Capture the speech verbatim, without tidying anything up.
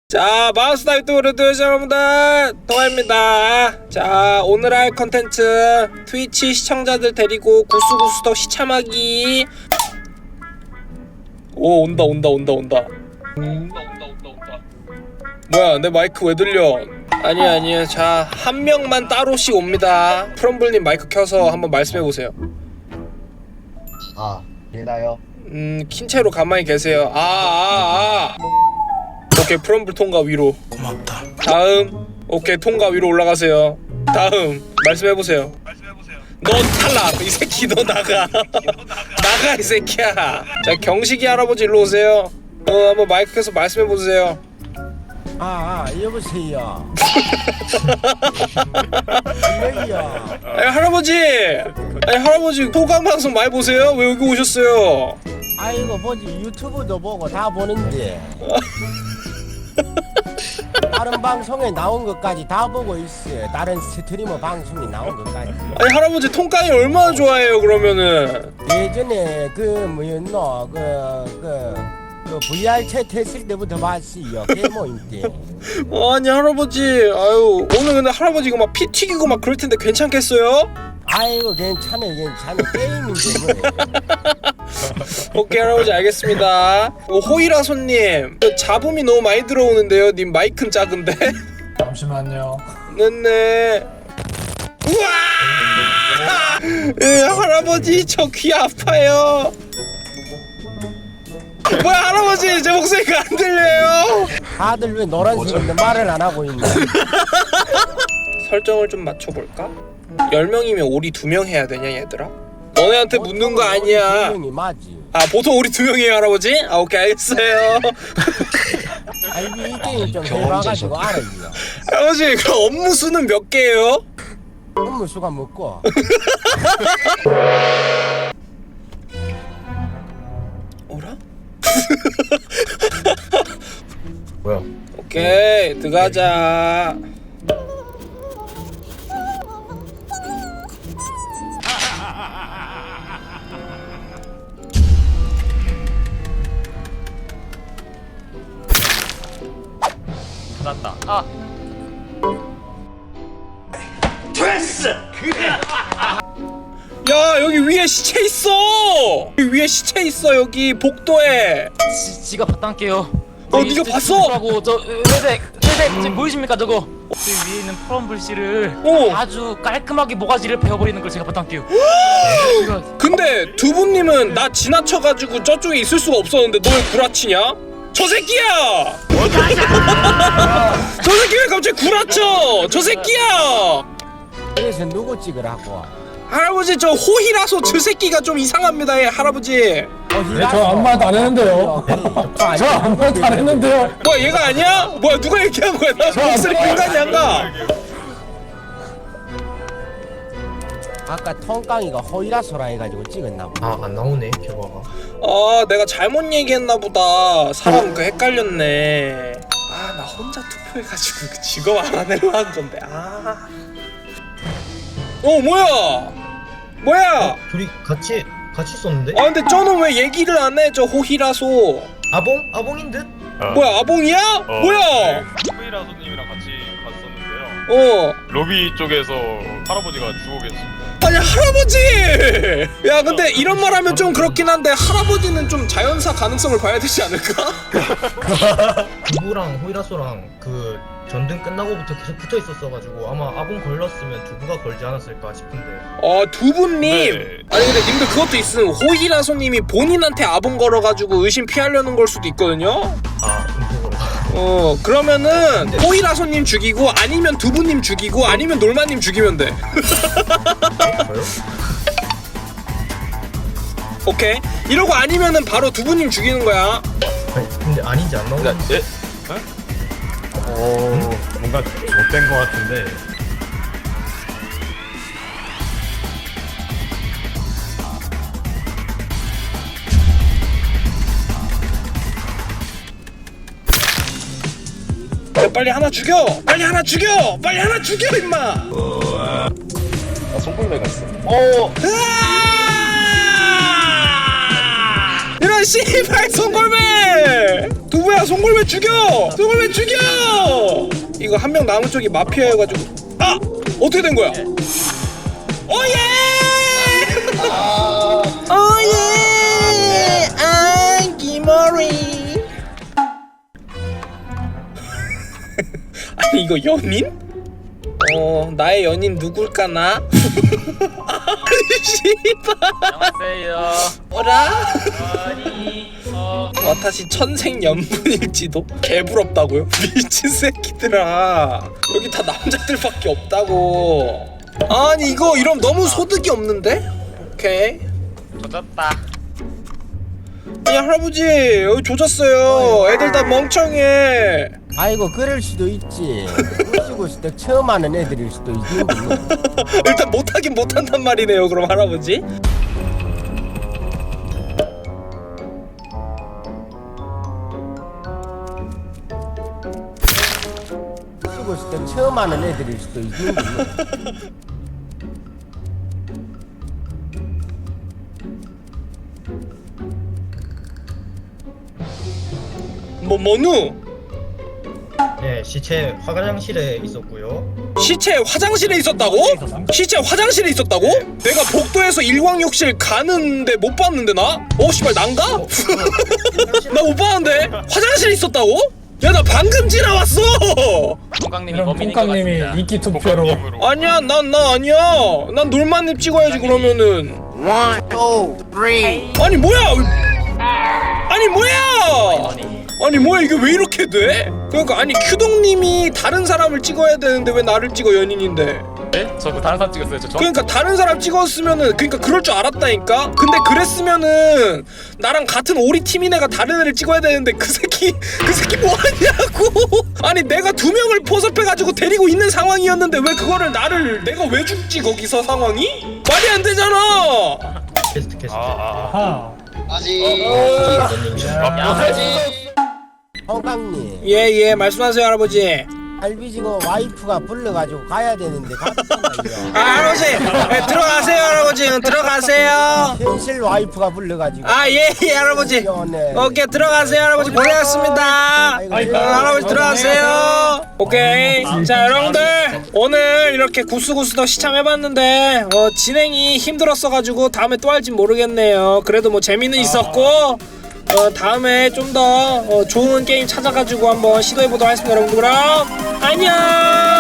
자, 마우스다 유튜브 구독자 여러분들, 동아입니다. 자, 오늘 할 컨텐츠 트위치 시청자들 데리고 구수구수덕 시참하기. 오, 온다 온다 온다 온다 온다 온다 온다 온다. 뭐야, 내 마이크 왜 들려? 아니야 아니야. 자, 한 명만 따로씩 옵니다. 프롬블님 마이크 켜서 한번 말씀해보세요. 아, 되나요? 음, 킨 채로 가만히 계세요. 아, 아, 아. 오케이, 프롬블 통과 위로. 고맙다. 다음. 오케이, 통과 위로 올라가세요. 다음. 말씀해보세요. 너 탈락. 이 새끼 너 나가. 나가 이 새끼야. 자, 경식이 할아버지 일로 오세요. 어, 한번 마이크 켜서 말씀해보세요. 아, 아 여보세요. 여기요. 아니 할아버지. 아니 할아버지 소강 방송 많이 보세요? 왜 여기 오셨어요? 아이고 보지 유튜브도 보고 다 보는데 다른 방송에 나온 것까지 다 보고 있어요. 다른 스트리머 방송이 나온 것까지. 아니 할아버지 통깡이 얼마나 좋아해요 그러면은? 예전에 그 뭐였노 그그 그 브이알 채트 했을 때부터 봤어요. 게모임 때. 아니 할아버지, 아유 오늘 근데 할아버지 이거 막 피 튀기고 막 그럴 텐데 괜찮겠어요? 아이고 괜찮아 괜찮아 게임인데 뭐. 오케이 할아버지 알겠습니다. 어, 호이라 손님, 저 잡음이 너무 많이 들어오는데요. 님 마이크는 작은데? 잠시만요. 네네. 우와! 예, 할아버지 저 귀 아파요. 뭐야 할아버지, 제 목소리가 안 들려요? 다들 왜 노란색인데 말을 안 하고 있나? 설정을 좀 맞춰볼까? 열 명이면 오리 두 명 해야 되냐 얘들아? 너네한테 묻는 거 아니야. 분명히 맞지. 아 보통 우리 두 명이에요 할아버지? 아 오케이 알겠어요. 아 이게 이 게임 좀 해봐가지고 알아요. 할아버지 그럼 업무 수는 몇 개예요? 업무 수가 먹고. 어라? 뭐야? 오케이 들어가자. 났다. 아. 야 여기 위에 시체 있어. 여기 위에 시체 있어. 여기 복도에. 지, 지가 봤단게요. 어, 네가 봤어? 하고 저 회색 회색 지금 보이십니까 저거? 그 위에 있는 프롬블 씨를 어. 아주 깔끔하게 모가지를 베어버리는 걸 제가 봤단게요. 이거 근데 두부님은 나 지나쳐가지고 저쪽에 있을 수가 없었는데 너 왜 구라치냐? 저 새끼야! 저 새끼 왜 갑자기 구라쳐? 저 새끼야! 그래서 누구 찍으라고? 할아버지 저 호희라서 저 새끼가 좀 이상합니다. 예, 할아버지. 네, 저 아무 말도 안 했는데요. 저 아무 말도 안 했는데요. 뭐야 얘가 아니야? 뭐야 누가 얘기한 거야? 나 목소리 인간이 안 가. 아까 통깡이가 호이라소라 해가지고 찍었나 보다. 아, 안 나오네, 결과가. 아 내가 잘못 얘기했나 보다. 사람 그 헷갈렸네. 아 나 혼자 투표해가지고 그 직업 알아내려 한 건데. 아. 어 뭐야? 뭐야? 둘이 같이, 같이 썼는데? 아 근데 저는 왜 얘기를 안 해? 저 호희라소. 아봉? 아봉인 듯? 뭐야 아봉이야? 어, 뭐야? 네, 후이라 손님이랑 같이 갔었는데요. 어. 로비 쪽에서 할아버지가 죽어 계셨습니다. 아니 할아버지! 야 근데 이런 말 하면 좀 그렇긴 한데 할아버지는 좀 자연사 가능성을 봐야 되지 않을까? 두부랑 호이라소랑 그 전등 끝나고부터 계속 붙어 있었어가지고 아마 아봉 걸렸으면 두부가 걸지 않았을까 싶은데. 어 두부님! 네. 아니 근데 님들 그것도 있음. 호이라소님이 본인한테 아봉 걸어가지고 의심 피하려는 걸 수도 있거든요? 아, 음속으로. 어 그러면은 호이라소님 죽이고 아니면 두부님 죽이고 아니면 놀마님 죽이면 돼. 저요? 오케이? 이러고 아니면은 바로 두부님 죽이는 거야. 아니, 근데 아닌지 안 나오네. 예? 오, 뭔가 못된 것 같은데. 야, 빨리 하나 죽여! 빨리 하나 죽여! 빨리 하나 죽여 임마! 아, 손골매가 있어. 어. 으아! 이런 아 씨발 송골매. 두부야 송골매 죽여. 송골매 죽여. 이거 한 명 남은 쪽이 마피아여가지고 아 어떻게 된 거야? 오예. 오예. 아 기머리. 아니 이거 연인? 어 나의 연인 누굴까나? 아니 씨발. 안녕하세요. 뭐라? 아니 어 와타시 천생연분일지도? 개부럽다고요? 미친 새끼들아 여기 다 남자들밖에 없다고. 아니 이거 이러면 너무 소득이 없는데? 오케이. 젖었다. 아니 할아버지 여기 조졌어요. 애들 다 멍청해. 아이고 그럴 수도 있지. 꼬시고 있을 때 처음 하는 애들일 수도 있는데. 일단 못하긴 못한단 말이네요 그럼 할아버지. 꼬시고 있을 때 처음 하는 애들일 수도 있는데. 뭐 뭐누? 네, 시체 화장실에 있었고요. 시체 화장실에 있었다고? 시체 화장실에 있었다고? 내가 복도에서 일광욕실 가는데 못 봤는데 나? 어 씨발 난가? 나 못 봤는데 화장실에 있었다고? 야 나 방금 지나왔어. 똥강님이 그럼 범인인 것 똥강님이 같습니다. 인기 투표로 볶음님으로. 아니야 난 나 아니야. 난 놀만님 찍어야지 그러면은. 아니 뭐야? 아니 뭐야? 아니 뭐야 이게 왜 이렇게 돼? 그러니까 아니 큐동님이 다른 사람을 찍어야 되는데 왜 나를 찍어 연인인데? 네? 저 그 다른 사람 찍었어요. 저 저. 그러니까 다른 사람 찍었으면은 그러니까 그럴 줄 알았다니까. 근데 그랬으면은 나랑 같은 오리 팀인 애가 다른 애를 찍어야 되는데 그 새끼 그 새끼 뭐 하냐고. 아니 내가 두 명을 포섭해가지고 데리고 있는 상황이었는데 왜 그거를 나를 내가 왜 죽지 거기서 상황이? 말이 안 되잖아. 캐스트 캐스트. 아, 아. 아 홍강님 예예 말씀하세요 할아버지. 알비지고 와이프가 불러가지고 가야 되는데 갔잖아요. 아 할아버지 네, 들어가세요 할아버지 들어가세요. 현실 와이프가 불러가지고. 아예예 예, 할아버지. 네. 오케이 들어가세요 할아버지 고생하셨습니다. 아이고, 어, 할아버지 들어가세요. 오케이. 자 여러분들 오늘 이렇게 구스구스도 시참해봤는데 어, 진행이 힘들었어가지고 다음에 또 할진 모르겠네요. 그래도 뭐 재미는 있었고 어, 다음에 좀 더 어, 좋은 게임 찾아가지고 한번 시도해보도록 하겠습니다. 여러분들 그럼 안녕.